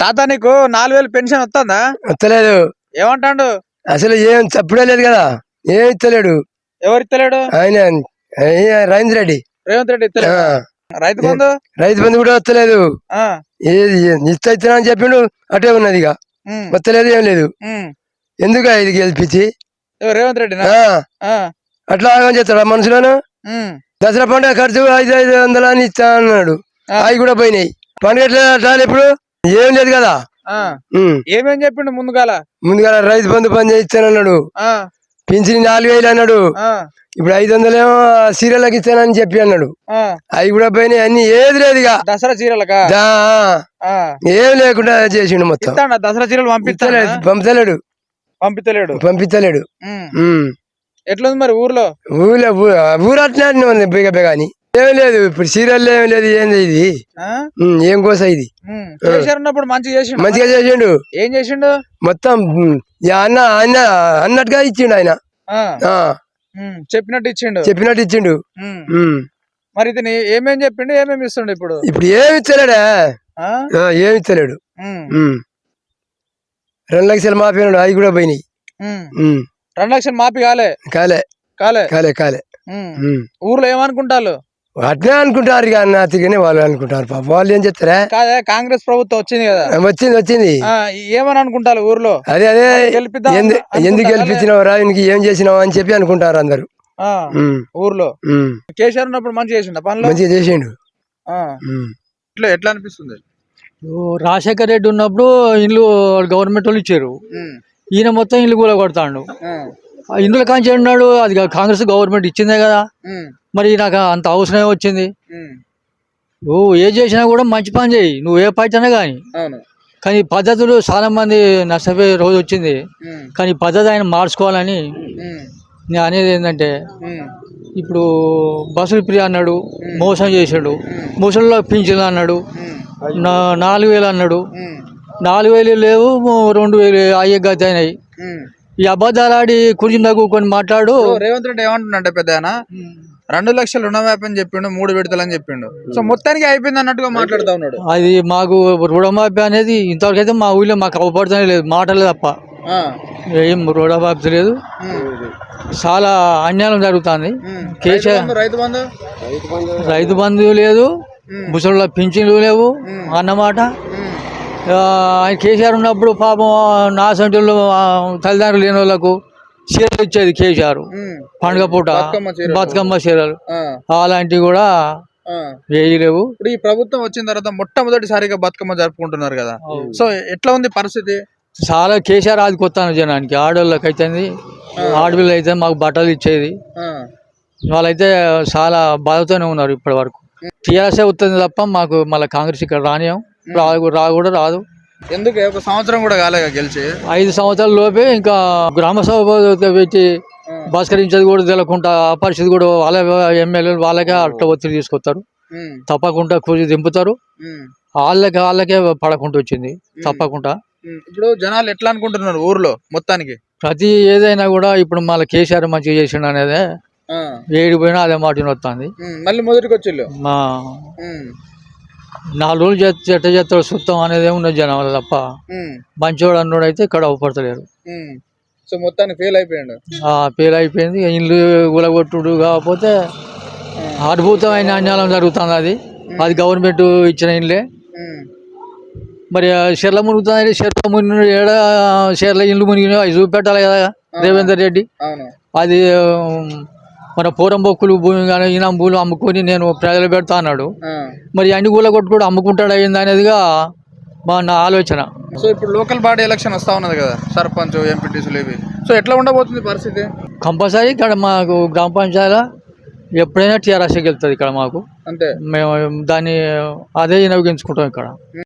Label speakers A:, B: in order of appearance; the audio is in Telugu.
A: తాత నీకు 4000 పెన్షన్ వస్తుందా?
B: వస్తలేదు.
A: ఏమంటాడు?
B: అసలు ఏం చప్పుడే లేదు కదా, ఏం ఇస్తలేడు.
A: ఎవరు ఇస్తలేడు?
B: ఆయన రేవంత్ రెడ్డి.
A: రేవంత్ రెడ్డి ఇస్తలేడు. రైతు బంధు
B: కూడా వస్తలేదు. ఏది ఇస్తా అని చెప్పిండు, అటే ఉన్నది. ఇక వస్తలేదు, ఏం లేదు. ఎందుకు ఇది గెలిపించి
A: రేవంత్ రెడ్డి
B: అట్లా ఆగం చేస్తాడు మనుషులను. దసరా పండుగ ఖర్చు 500 అని ఇస్తా అన్నాడు, అవి కూడా పోయినాయి. పండుగ ఎట్లా ఇప్పుడు ఏం లేదు కదా.
A: ఏమేం చెప్పిండు?
B: ముందుగాల రైతు బంధు పని చేయిస్తానన్నాడు, పింఛన్ 4000 అన్నాడు, ఇప్పుడు 500 ఏమో సీరియల్కి ఇస్తానని చెప్పి అన్నాడు, అవి కూడా పోయినాయి. అన్ని ఏది లేదు ఇక
A: దసరా చీరలకా
B: ఏం లేకుండా చేసిండు మొత్తం.
A: దసరా చీరలు
B: పంపించలేడు.
A: ఎట్లుంది మరి ఊరు
B: అట్లా ఉంది బేగ బేగాని. ఏం లేదు ఇప్పుడు సీరియల్ ఏం లేదు. ఏంది ఇది, ఏం కోస ఇది? మంచిగా చేసిండు.
A: ఏం చేసిండు?
B: మొత్తం అన్నట్టుగా ఇచ్చిండు ఆయన.
A: చెప్పినట్టు ఇచ్చిండు. మరి ఇతను ఏమేం చెప్పిండు, ఏమేమి ఇస్తుండు? ఇప్పుడు
B: ఏమి ఇస్తలేడా? ఏమి ఇస్తలేడు. 2 లక్షలు మాఫీ అన్నాడు, అవి కూడా పోయినాయి.
A: 2 లక్షలు మాఫీ కాలే. ఊర్లో ఏమనుకుంటారు?
B: అట్నే అనుకుంటారు ఇక అన్నట్టుగానే వాళ్ళు అనుకుంటారు. పాప వాళ్ళు ఏం చెప్తారా?
A: కాంగ్రెస్ ప్రభుత్వం వచ్చింది కదా,
B: వచ్చింది.
A: ఏమని అనుకుంటారు ఊర్లో?
B: అదే ఎందుకు గెలిపించినవరా, ఇంక ఏం చేసినావు అని చెప్పి అనుకుంటారు అందరు
A: ఊర్లో. కేసీఆర్ ఉన్నప్పుడు మంచిగా చేసిండు పనులు.
B: మంచిగా చేసిండు.
A: ఎట్లా అనిపిస్తుంది?
C: రాజశేఖర రెడ్డి ఉన్నప్పుడు ఇల్లు గవర్నమెంట్ వాళ్ళు ఇచ్చారు, ఈయన మొత్తం ఇల్లు కూడా కొడతాడు. ఇందులో కాంచి ఉన్నాడు, అది కాంగ్రెస్ గవర్నమెంట్ ఇచ్చిందే కదా. మరి నాకు అంత అవసరమే వచ్చింది. నువ్వు ఏ చేసినా కూడా మంచి పని చేయి, నువ్వు ఏ పార్టీ అయినా కానీ పద్ధతులు చాలా మంది నష్టపోయే రోజు వచ్చింది. కానీ పద్ధతి ఆయన మార్చుకోవాలని నేను అనేది ఏంటంటే, ఇప్పుడు బస్సులు ఫ్రీ అన్నాడు, మోసం చేసాడు. ముసలిలో పింఛన్లు అన్నాడు, 4000 అన్నాడు. 4000 లేవు, 2000 అయ్యే గతి అయినాయి. ఈ అబద్ధాలు ఆడి కుర్చీని తగ్గుకొని మాట్లాడు.
A: రేవంత్ రెడ్డి ఏమంటున్నాడు? పెద్ద 2 లక్షలు రుణమాఫీ అని చెప్పిండు, 3 విడతలని చెప్పిండు. సో మొత్తానికి అయిపోయింది అన్నట్టుగా మాట్లాడుతూ ఉన్నాడు.
C: అది మాకు రుణమాఫీ అనేది ఇంతవరకు అయితే మా ఊళ్ళో మాకు అవపడుతూనే లేదు, మాటలే తప్ప ఏం రుణమాఫీ లేదు. చాలా అన్యాయం జరుగుతుంది. కేసీఆర్ రైతు బంధు లేదు, ముసళ్ళ పింఛన్లు లేవు అన్నమాట. ఆయన కేసీఆర్ ఉన్నప్పుడు పాపం నా సంటలు తల్లిదండ్రులు లేని వాళ్ళకు చీరలు ఇచ్చేది కేసీఆర్. పండుగ పూట బతుకమ్మ చీరలు అలాంటివి కూడా వేయలేవు.
A: ఇప్పుడు ఈ ప్రభుత్వం వచ్చిన తర్వాత మొట్టమొదటిసారిగా బతుకమ్మ జరుపుకుంటున్నారు కదా, సో ఎట్లా ఉంది పరిస్థితి?
C: చాలా కేసీఆర్ ఆదుకొస్తాను జనానికి. ఆడవాళ్ళకి అయితే, ఆడపిల్లలు అయితే మాకు బట్టలు ఇచ్చేది. వాళ్ళైతే చాలా బాధతోనే ఉన్నారు ఇప్పటి వరకు. టీఆర్ఎస్ఏ వస్తుంది తప్ప మాకు మళ్ళీ కాంగ్రెస్ ఇక్కడ రానియం, కూడా రాదు.
A: ఎందుకు 1 సంవత్సరం కూడా కాలేక గెలిచి?
C: 5 సంవత్సరాల లోపే ఇంకా గ్రామ సభ పెట్టి బస్కరించేది కూడా తెలియకుండా, ఆ పరిస్థితి కూడా వాళ్ళ ఎమ్మెల్యేలు వాళ్ళకే అట్ట ఒత్తిడి తీసుకొస్తారు. తప్పకుండా కూర్చి దింపుతారు, వాళ్ళకే పడకుండా వచ్చింది తప్పకుండా.
A: ఇప్పుడు జనాలు ఎట్లా అనుకుంటున్నారు ఊర్లో మొత్తానికి?
C: ప్రతి ఏదైనా కూడా ఇప్పుడు మళ్ళీ కేసీఆర్ మంచిగా చేసిండు అనేది ఏడిపోయినా అదే మాట వస్తుంది.
A: మళ్ళీ మొదటికి వచ్చి
C: మా 4 రోజులు చెట్ట చేస్తాడు సుత్తం అనేది ఏమున్నది జనాలు తప్ప, మంచివాడు అన్నోడు అయితే ఇక్కడ అవపడతలేరు.
A: సో మొత్తానికి ఫెయిల్
C: అయిపోయింది. ఇల్లు గులగొట్టుడు కాకపోతే అద్భుతమైన అన్యాయం జరుగుతుంది. అది గవర్నమెంట్ ఇచ్చిన ఇల్లే. మరి చెర్ల మునుగుతుంది, చెర్ల మునిగి చెర్ల ఇల్లు మునిగి అవి చూపెట్టాలి కదా రేవంత్ రెడ్డి. అది మన పోరంబొక్కులు భూమి కానీ ఈనాం భూములు అమ్ముకొని నేను ప్రజలు పెడతా అన్నాడు. మరి అన్ని కూల కొట్టుకోవడం అమ్ముకుంటాడు అయింది అనేదిగా నా ఆలోచన.
A: సో ఇప్పుడు లోకల్ బాడీ ఎలక్షన్ వస్తా ఉన్నది కదా, సర్పంచ్, ఎంపీటీసీలు ఇవి. సో ఎట్లా ఉండబోతుంది పరిస్థితి?
C: కంపల్సరీ ఇక్కడ మాకు గ్రామ పంచాయతీ ఎప్పుడైనా టీఆర్ఎస్ వెళ్తుంది ఇక్కడ మాకు.
A: అంతే,
C: మేము దాన్ని అదే వినియోగించుకుంటాం ఇక్కడ.